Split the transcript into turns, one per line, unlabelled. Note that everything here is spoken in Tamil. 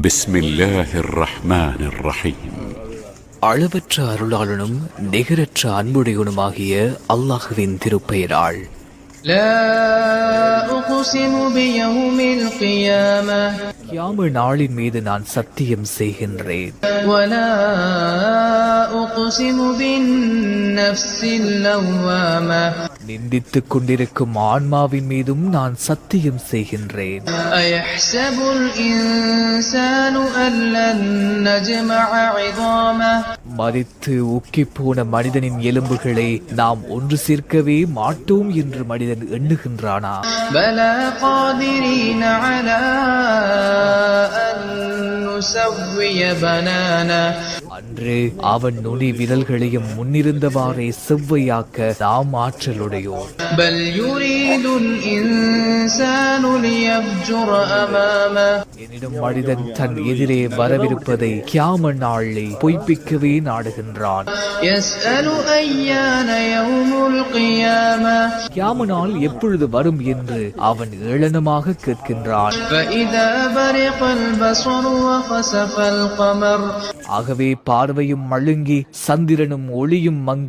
بسم الله الرحمن الرحيم.
அளவற்ற அருளாளனும் நிகரற்ற அன்புடையவனுமாகிய அல்லாஹ்வின் திருப்பெயரால்.
لا أقسم بيوم القيامة
கியாம நாளின் மீது நான் சத்தியம் செய்கின்றேன்.
ولا أقسم بالنفس اللوامة
நிந்தித்துக் கொண்டிருக்கும் ஆன்மாவின் மீதும் நான் சத்தியம் செய்கின்றேன்.
أيحسب الإنسان أن لن نجمع عظامه
மரித்து உக்கிப்போன மனிதனின் எலும்புகளை நாம் ஒன்று சேர்க்கவே மாட்டோம் என்று மனிதன் எண்ணுகின்றானா?
بلى قادرين على أن نسوي بنانا
அன்று அவன் நுனி விரல்களையும் முன்னிருந்தவாறே செவ்வையாக்க நாம் ஆற்றலுடையோம்.
بل يريد الإنسان ليفجر أمامه
எனினும் மனிதன் தன் எதிரே வரவிருப்பதை கியாம நாளை பொய்ப்பிக்கவே நாடுகின்றான்.
يسأل أيان يوم القيامة
கியாம நாள் எப்பொழுது வரும் என்று அவன் ஏளனமாக கேட்கின்றான்.
فإذا برق البصر وخسف القمر
ஆகவே பார்வையும் மழுங்கி சந்திரனும் ஒளியும் மங்கி